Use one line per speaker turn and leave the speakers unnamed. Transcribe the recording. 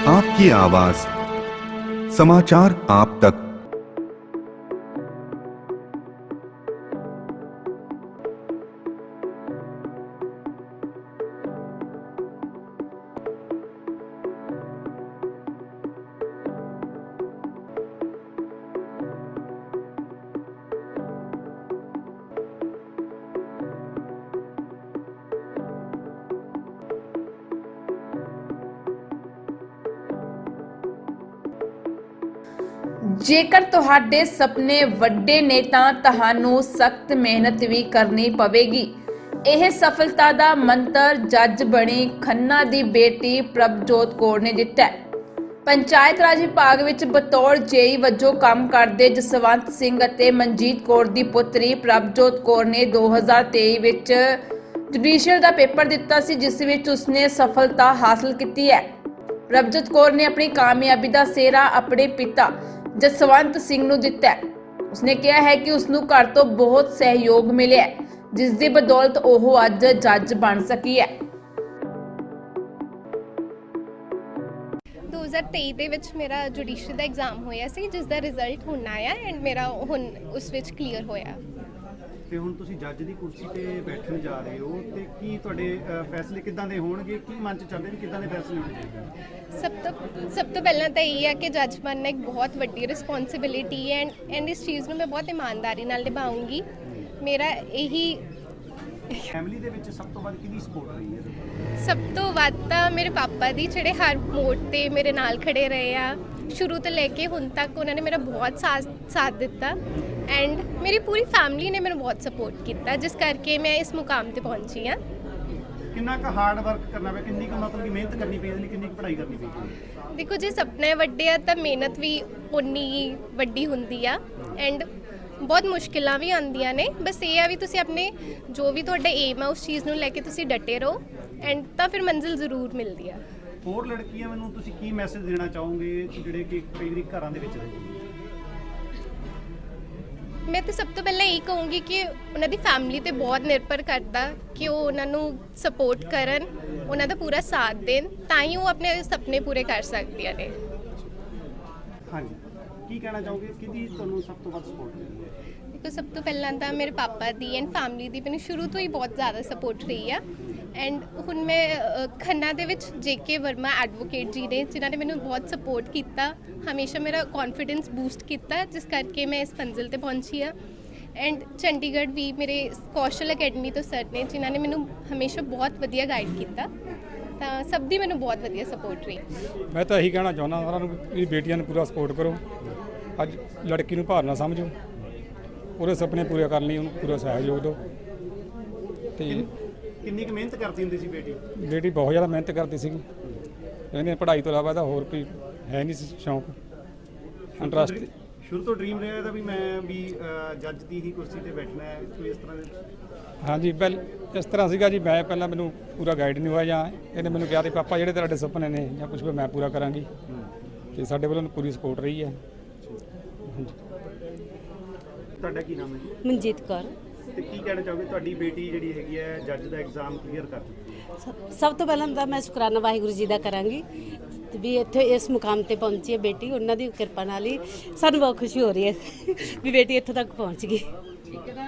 आपकी आवाज, समाचार आप तक।
ਜੇਕਰ ਤੁਹਾਡੇ ਸੁਪਨੇ ਵੱਡੇ ਨੇ ਤਾਂ ਤੁਹਾਨੂੰ ਸਖਤ ਮਿਹਨਤ ਵੀ ਕਰਨੀ ਪਵੇਗੀ। ਇਹ ਸਫਲਤਾ ਦਾ ਮੰਤਰ ਜੱਜ ਬਣੀ ਖੰਨਾ ਦੀ ਬੇਟੀ ਪ੍ਰਭਜੋਤ ਕੌਰ ਨੇ ਦਿੱਤਾ ਹੈ। ਪੰਚਾਇਤ ਰਾਜ ਵਿਭਾਗ ਵਿੱਚ ਬਤੌਰ ਜੇਈ ਵਜੋਂ ਕੰਮ ਕਰਦੇ ਜਸਵੰਤ ਸਿੰਘ ਅਤੇ ਮਨਜੀਤ ਕੌਰ ਦੀ ਪੁੱਤਰੀ ਪ੍ਰਭਜੋਤ ਕੌਰ ਨੇ 2023 ਵਿੱਚ ਜੁਡੀਸ਼ੀਅਲ ਦਾ ਪੇਪਰ ਦਿੱਤਾ ਸੀ, ਜਿਸ ਵਿੱਚ ਉਸਨੇ ਸਫਲਤਾ ਹਾਸਲ ਕੀਤੀ ਹੈ। ਪ੍ਰਭਜੋਤ ਕੌਰ ਨੇ ਆਪਣੀ ਕਾਮਯਾਬੀ ਦਾ ਸਿਹਰਾ ਆਪਣੇ ਪਿਤਾ ਜਸਵੰਤ ਸਿੰਘ ਨੂੰ ਦਿੱਤਾ ਹੈ। ਉਸਨੇ ਕਿਹਾ ਹੈ ਕਿ ਉਸ ਨੂੰ ਘਰ ਤੋਂ ਬਹੁਤ ਸਹਿਯੋਗ ਮਿਲਿਆ ਹੈ, ਜਿਸ ਦੀ ਬਦੌਲਤ ਉਹ ਅੱਜ ਜੱਜ ਬਣ ਸਕੀ ਹੈ।
2023 ਦੇ ਵਿੱਚ ਮੇਰਾ ਜੁਡੀਸ਼ੀਅਲ ਦਾ ਐਗਜ਼ਾਮ ਹੋਇਆ ਸੀ, ਜਿਸ ਦਾ ਰਿਜ਼ਲਟ ਹੁਣ ਆਇਆ ਐਂਡ ਮੇਰਾ ਹੁਣ ਉਸ ਵਿੱਚ ਕਲੀਅਰ ਹੋਇਆ।
ਤੇ ਹੁਣ ਤੁਸੀਂ ਜੱਜ ਦੀ ਕੁਰਸੀ ਤੇ ਬੈਠਣ ਜਾ ਰਹੇ ਹੋ ਤੇ ਕੀ ਤੁਹਾਡੇ ਫੈਸਲੇ ਕਿੱਦਾਂ ਦੇ ਹੋਣਗੇ? ਕੀ ਮਨ ਚ ਚੱਲਦੇ ਨੇ ਕਿੱਦਾਂ ਦੇ ਫੈਸਲੇ ਹੋਣਗੇ?
ਸਭ ਤੋਂ ਪਹਿਲਾਂ ਤਾਂ ਇਹ ਹੈ ਕਿ ਜੱਜ ਬਣਨਾ ਇੱਕ ਬਹੁਤ ਵੱਡੀ ਰਿਸਪੌਂਸਿਬਿਲਿਟੀ ਹੈ ਐਂਡ ਇਸ ਚੀਜ਼ ਨੂੰ ਮੈਂ ਬਹੁਤ ਇਮਾਨਦਾਰੀ ਨਾਲ ਨਿਭਾਉਂਗੀ। ਮੇਰਾ ਇਹੀ
ਫੈਮਿਲੀ ਦੇ ਵਿੱਚ ਸਭ ਤੋਂ ਵੱਧ ਕਿਹਦੀ ਸਪੋਰਟ ਰਹੀ ਹੈ?
ਸਭ ਤੋਂ ਵੱਧ ਤਾਂ ਮੇਰੇ ਪਾਪਾ ਦੀ, ਜਿਹੜੇ ਹਰ ਮੋੜ ਤੇ ਮੇਰੇ ਨਾਲ ਖੜੇ ਰਹੇ ਆ ਸ਼ੁਰੂ ਤੋਂ ਲੈ ਕੇ ਹੁਣ ਤੱਕ। ਉਹਨਾਂ ਨੇ ਮੇਰਾ ਬਹੁਤ ਸਾਥ ਦਿੱਤਾ ਐਂਡ ਮੇਰੀ ਪੂਰੀ ਫੈਮਿਲੀ ਨੇ ਮੈਨੂੰ ਬਹੁਤ ਸਪੋਰਟ ਕੀਤਾ, ਜਿਸ ਕਰਕੇ ਮੈਂ ਇਸ ਮੁਕਾਮ ਤੇ ਪਹੁੰਚੀ ਹਾਂ।
ਕਿੰਨਾ ਕੁ ਹਾਰਡ ਵਰਕ ਕਰਨਾ ਪਿਆ, ਕਿੰਨੀ ਕੁ ਮਤਲਬ ਕਿ ਮਿਹਨਤ ਕਰਨੀ ਪਈ, ਇਹਦੇ ਲਈ ਕਿੰਨੀ ਕੁ ਪੜ੍ਹਾਈ ਕਰਨੀ ਪਈ?
ਦੇਖੋ, ਜੇ ਸੁਪਨੇ ਵੱਡੇ ਆ ਤਾਂ ਮਿਹਨਤ ਵੀ ਉਨੀ ਹੀ ਵੱਡੀ ਹੁੰਦੀ ਆ ਐਂਡ ਬਹੁਤ ਮੁਸ਼ਕਿਲਾਂ ਵੀ ਆਉਂਦੀਆਂ ਨੇ। ਬਸ ਇਹ ਆ ਵੀ ਤੁਸੀਂ ਆਪਣੇ ਜੋ ਵੀ ਤੁਹਾਡਾ ਏਮ ਆ ਉਸ ਚੀਜ਼ ਨੂੰ ਲੈ ਕੇ ਤੁਸੀਂ ਡਟੇ ਰਹੋ ਐਂਡ ਤਾਂ ਫਿਰ ਮੰਜ਼ਿਲ ਜ਼ਰੂਰ ਮਿਲਦੀ ਆ।
ਹੋਰ ਲੜਕੀਆਂ ਮੈਨੂੰ ਤੁਸੀਂ ਕੀ ਮੈਸੇਜ ਦੇਣਾ ਚਾਹੋਗੇ ਜਿਹੜੇ ਕਿ ਕਈ ਵਾਰੀ ਘਰਾਂ ਦੇ ਵਿੱਚ ਰਹਿੰਦੇ?
ਮੈਂ ਤਾਂ ਸਭ ਤੋਂ ਪਹਿਲਾਂ ਇਹ ਕਹੂੰਗੀ ਕਿ ਉਹਨਾਂ ਦੀ ਫੈਮਿਲੀ ਤੇ ਬਹੁਤ ਨਿਰਭਰ ਕਰਦਾ ਕਿ ਉਹ ਉਹਨਾਂ ਨੂੰ ਸਪੋਰਟ ਕਰਨ, ਉਹਨਾਂ ਦਾ ਪੂਰਾ ਸਾਥ ਦੇਣ, ਤਾਂ ਹੀ ਉਹ ਆਪਣੇ ਸੁਪਨੇ ਪੂਰੇ ਕਰ ਸਕਦੀਆਂ ਨੇ।
ਹਾਂਜੀ, ਕੀ ਕਹਿਣਾ ਚਾਹੋਗੇ? ਕਿਹਦੀ ਤੁਹਾਨੂੰ ਸਭ ਤੋਂ ਵੱਧ ਸਪੋਰਟ ਮਿਲੀ ਹੈ?
ਦੇਖੋ, ਸਭ ਤੋਂ ਪਹਿਲਾਂ ਤਾਂ ਮੇਰੇ ਪਾਪਾ ਦੀ ਐਂਡ ਫੈਮਿਲੀ ਦੀ ਮੈਨੂੰ ਸ਼ੁਰੂ ਤੋਂ ਹੀ ਬਹੁਤ ਜ਼ਿਆਦਾ ਸਪੋਰਟ ਰਹੀ ਆ ਐਂਡ ਹੁਣ ਮੈਂ ਖੰਨਾ ਦੇ ਵਿੱਚ JK ਵਰਮਾ ਐਡਵੋਕੇਟ ਜੀ ਨੇ, ਜਿਨ੍ਹਾਂ ਨੇ ਮੈਨੂੰ ਬਹੁਤ ਸਪੋਰਟ ਕੀਤਾ, ਹਮੇਸ਼ਾ ਮੇਰਾ ਕੌਨਫੀਡੈਂਸ ਬੂਸਟ ਕੀਤਾ, ਜਿਸ ਕਰਕੇ ਮੈਂ ਇਸ ਮੰਜ਼ਿਲ ਤੇ ਪਹੁੰਚੀ ਆ। ਐਂਡ ਚੰਡੀਗੜ੍ਹ ਵੀ ਮੇਰੇ ਕੌਸ਼ਲ ਅਕੈਡਮੀ ਤੋਂ ਸਰ ਨੇ, ਜਿਨ੍ਹਾਂ ਨੇ ਮੈਨੂੰ ਹਮੇਸ਼ਾ ਬਹੁਤ ਵਧੀਆ ਗਾਈਡ ਕੀਤਾ, ਤਾਂ ਸਭ ਦੀ ਮੈਨੂੰ ਬਹੁਤ ਵਧੀਆ ਸਪੋਰਟ ਰਹੀ।
ਮੈਂ ਤਾਂ ਇਹੀ ਕਹਿਣਾ ਚਾਹੁੰਦਾ ਸਾਰਿਆਂ ਨੂੰ ਵੀ ਬੇਟੀਆਂ ਨੂੰ ਪੂਰਾ ਸਪੋਰਟ ਕਰੋ। ਅੱਜ ਲੜਕੀ ਨੂੰ ਭਾਰ ਨਾ ਸਮਝੋ, ਉਹਦੇ ਸੁਪਨੇ ਪੂਰੇ ਕਰਨ ਲਈ ਉਹਨੂੰ ਪੂਰਾ ਸਹਿਯੋਗ ਦਿਓ। ਤੇ
ਕਿੰਨੀ ਕੁ ਮਿਹਨਤ ਕਰਦੀ ਹੁੰਦੀ ਸੀ ਬੇਟੀ?
ਬੇਟੀ ਬਹੁਤ ਜ਼ਿਆਦਾ ਮਿਹਨਤ ਕਰਦੀ ਸੀਗੀ। ਇਹਨੇ ਪੜ੍ਹਾਈ ਤੋਂ ਇਲਾਵਾ ਤਾਂ ਹੋਰ ਕੋਈ ਹੈ ਨਹੀਂ ਸੀ ਸ਼ੌਂਕ, ਇੰਟਰਸਟ।
ਸ਼ੁਰੂ ਤੋਂ ਡ੍ਰੀਮ ਰਿਹਾ ਇਹਦਾ ਵੀ ਮੈਂ ਵੀ ਜੱਜ ਦੀ ਹੀ ਕੁਰਸੀ ਤੇ ਬੈਠਣਾ ਹੈ, ਕੋਈ ਇਸ ਤਰ੍ਹਾਂ ਦੇ?
ਹਾਂਜੀ, ਇਸ ਤਰ੍ਹਾਂ ਸੀਗਾ ਜੀ। ਮੈਂ ਪਹਿਲਾਂ ਮੈਨੂੰ ਪੂਰਾ ਗਾਈਡ ਨਹੀਂ ਹੋਇਆ, ਜਾਂ ਇਹਨੇ ਮੈਨੂੰ ਕਿਹਾ ਤੇ ਪਾਪਾ ਜਿਹੜੇ ਤੁਹਾਡੇ ਸੁਪਨੇ ਨੇ ਜਾਂ ਕੁਝ ਵੀ ਮੈਂ ਪੂਰਾ ਕਰਾਂਗੀ, ਤੇ ਸਾਡੇ ਵੱਲੋਂ ਪੂਰੀ ਸਪੋਰਟ ਰਹੀ ਹੈ। ਹਾਂਜੀ।
ਤੁਹਾਡਾ ਕੀ ਨਾਮ ਹੈ ਜੀ?
ਮਨਜੀਤ ਕੌਰ।
ਤੇ ਕੀ ਕਹਿਣਾ ਚਾਹੋਗੇ? ਤੁਹਾਡੀ ਬੇਟੀ ਜਿਹੜੀ ਹੈਗੀ ਹੈ ਜੱਜ ਦਾ ਐਗਜ਼ਾਮ ਕਲੀਅਰ ਕਰ ਚੁੱਕੀ ਹੈ।
ਸਭ ਤੋਂ ਪਹਿਲਾਂ ਤਾਂ ਮੈਂ ਸ਼ੁਕਰਾਨਾ ਵਾਹਿਗੁਰੂ ਜੀ ਦਾ ਕਰਾਂਗੀ ਤੇ ਵੀ ਇੱਥੇ ਇਸ ਮੁਕਾਮ ਤੇ ਪਹੁੰਚੀ ਹੈ ਬੇਟੀ। ਉਹਨਾਂ ਦੀ ਕਿਰਪਾ ਨਾਲ ਹੀ ਸਾਨੂੰ ਬਹੁਤ ਖੁਸ਼ੀ ਹੋ ਰਹੀ ਹੈ ਵੀ ਬੇਟੀ ਇੱਥੋਂ ਤੱਕ ਪਹੁੰਚ ਗਈ।